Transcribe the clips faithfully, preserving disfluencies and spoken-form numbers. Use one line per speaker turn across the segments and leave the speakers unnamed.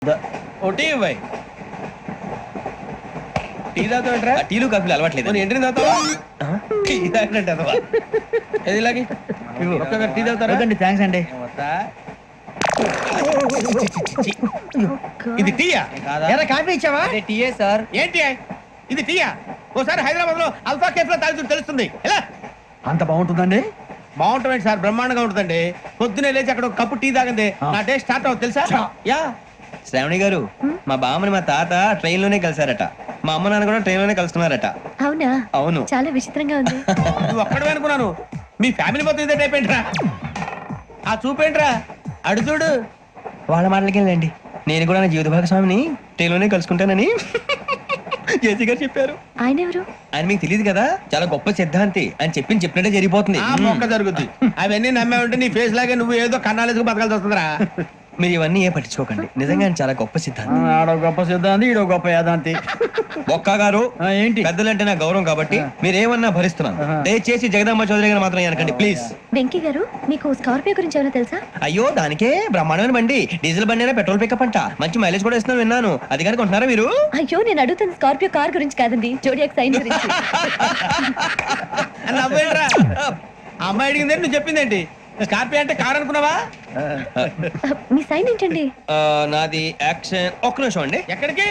ఒకటి ఇవ్వాయి టీ తాగుతావుట్రా?
టీలు కాఫీలు అలవాట్లేదు.
ఎంట్రీ తాగుతావా? టీ తాగినట్టు అదవా ఏది ఇలాగే ఒక్క టీ తాగుతారా?
థ్యాంక్స్ అండి.
ఇది టీయా?
ఎరా కాఫీ ఇచ్చావా? టీయే సార్.
ఏంటి ఇది టీయా? ఓసారి హైదరాబాద్ లో అల్ఫా కేఫ్ లో తాగుతూ తెలుస్తుంది. ఎలా
అంత బాగుంటుందండి?
బాగుంటుంది సార్, బ్రహ్మాండంగా ఉంటుందండి. పొద్దునే లేచి అక్కడ ఒక కప్పు టీ తాగండి నా డే స్టార్ట్ అవుతుంది తెలుసా? యా
శ్రావణి గారు, మా బామ్మని మా తాత ట్రైన్ లోనే కలిసారట. మా అమ్మ నాన్న కూడా ట్రైన్ లోనే కలుస్తున్నారట.
అవునా?
అవును.
చాలా విచిత్రంగా ఉంది.
నువ్వు ఒక్కడే అనుకున్నాను, మీ ఫ్యామిలీ మొత్తం ఇదే టైప్ ఏంట్రా? ఆ చూపేంట్రా అడు చూడు.
వాళ్ళ మాటలకి వెళ్ళండి. నేను కూడా నా జీవిత భాగస్వామిని ట్రైన్ లోనే కలుసుకుంటానని జేసీ గారు చెప్పారు.
ఆయన ఎవరు?
ఆయన మీకు తెలియదు కదా, చాలా గొప్ప సిద్ధాంతి అని చెప్పి చెప్పినట్టే జరిగిపోతుంది.
ఆ మొక్క జరుగుద్ది. అవన్నీ నమ్మే ఉంటే నీ ఫేస్ లాగే నువ్వు ఏదో కన్నాలేసుకు బతకాల్సి వస్తుందిరా.
మీరు ఇవన్నీ ఏ పట్టించుకోకండి. నిజంగా ఆయన చాలా గొప్ప సిద్ధాంతి.
ఆడో గొప్ప సిద్ధాంతి, ఈడో గొప్ప యాదాంతి.
బొక్క గారు,
ఆ, ఏంటి?
పెద్దలంటే నా గౌరవం కాబట్టి మీరు ఏమన్నా భరిస్తున్నాను. దయచేసి జగదాంబ చౌదరి గారు మాత్రం అనకండి ప్లీజ్.
వెంకీ గారు, మీకు స్కార్పియో గురించి ఏమైనా తెలుసా?
అయ్యో, దానికే బ్రహ్మాండమైన బండి. డీజిల్ బండి అయినా పెట్రోల్ పికప్ అంట. మంచి మైలేజ్ కూడా ఇస్తున్నాను విన్నాను. అది కనుక ఉంటున్నారా మీరు?
అయ్యో, నేను అడుగుతున్న స్కార్పియో కార్ గురించి కాదండి, జోడియాక్ సైన్ గురించి.
అని నవ్వేంట్రా? ఆ అమ్మాయి అడిగింది నువ్వు చెప్పిందేంటి? స్కార్పియో అంటే కార్ అనుకున్నావా?
మీ సైన్ ఏంటండి?
ఆ, నాది యాక్షన్. ఒక్క నిమిషం అండి.
ఎక్కడికి?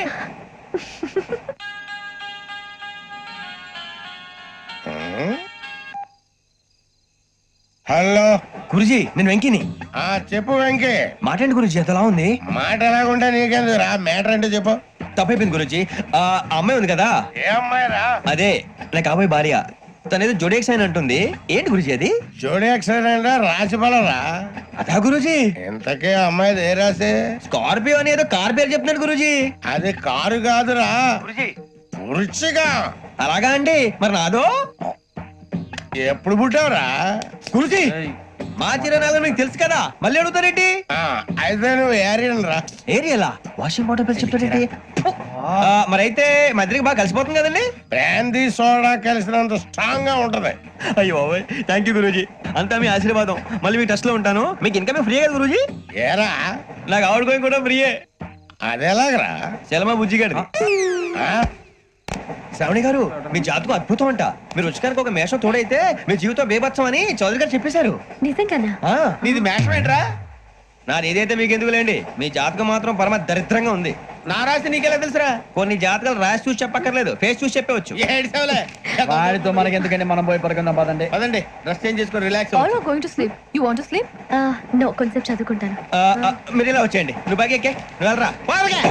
హలో
గురుజీ, నేను వెంకిని.
ఆ చెప్పు వెంకీ.
మాట్లాడండి గురుజీ, ఎంతలా ఉంది?
మాట ఎలాగుంటా నీకెందుకు రా, మ్యాటర్ అంటే చెప్పు.
తప్పైపోయింది గురుజీ. ఆ అమ్మాయి ఉంది కదా,
ఏ అమ్మాయి రా?
అదే నా కాబోయే భార్య. తనేదో జోడేక్ సైన్ అంటుంది. ఏంటి గురుజీ అది?
జోడి యాక్సిడెంట్ రాసి పడరా?
అదా గురుజీ?
ఇంతకే అమ్మాయి ఏ రాసి?
స్కార్పియో అని ఏదో కార్ పేరు చెప్తున్నాడు గురుజీ.
అది కారు కాదురా, పురుచిగా.
అలాగా అండి, మరి నాదో?
ఎప్పుడు పుట్టావురా?
గురుజీ, మా చిరునాలు మీకు తెలుసు కదా, మళ్ళీ అడుగుతారేంటి?
ఆ, అయితే నువ్వు ఏరియన్ రా.
ఏరియలా? వాషింగ్ వాటర్ పేరు చెప్తారేంటి? మరి అయితే మా ఇద్దరికి బాగా కలిసిపోతుంది కదండి.
బ్రాందీ సోడా కలిసినంత స్ట్రాంగ్ గా ఉంటది.
అయ్యో థ్యాంక్ యూ గురూజీ, అంతా మీ ఆశీర్వాదం. మళ్ళీ మీకు టచ్ లో ఉంటాను. మీకు ఇన్కమ్ ఫ్రీ కదా గురూజీ?
ఏరా,
నాకు ఆవిడ గోయింగ్ కూడా ఫ్రీయే.
అదెలాగరా?
చలమా బుజ్జి గారిది.
ఆ?
శ్రావణి గారు, మీ జాతకం అద్భుతం అంట. మీరు రుచికానికి ఒక మేషం తోడైతే మీ జీవితం బేబత్సం అని చౌదరి గారు చెప్పేశారు.
నిజంగానా?
ఆ,
నీది మేషం ఏంట్రా?
నాది ఏదైతే మీకు ఎందుకు లేండి. మీ జాతకం మాత్రం పరమ దరిద్రంగా ఉంది.
నా రాసి నీకెలా తెలుసురా?
కొన్ని జాతకాలు రాసి చూసి చెప్పక్కర్లేదు, ఫేస్ చూసి చెప్పవచ్చు.
ఏడ్చావులే.
వాడితో మనకి ఎందుకండి, మనం పోయి పడుకుందాం పదండి.
పదండి, డ్రెస్ చేంజ్ చేసుకొని relax.
All are going to sleep. You want to sleep?
No, కొంచెం చదువుకుంటాను.
ఆ, ఆ, మీరు ఇలా వచ్చేయండి. నువ్వు బాగా ఎక్కే, నువ్వు వెళ్ళరా.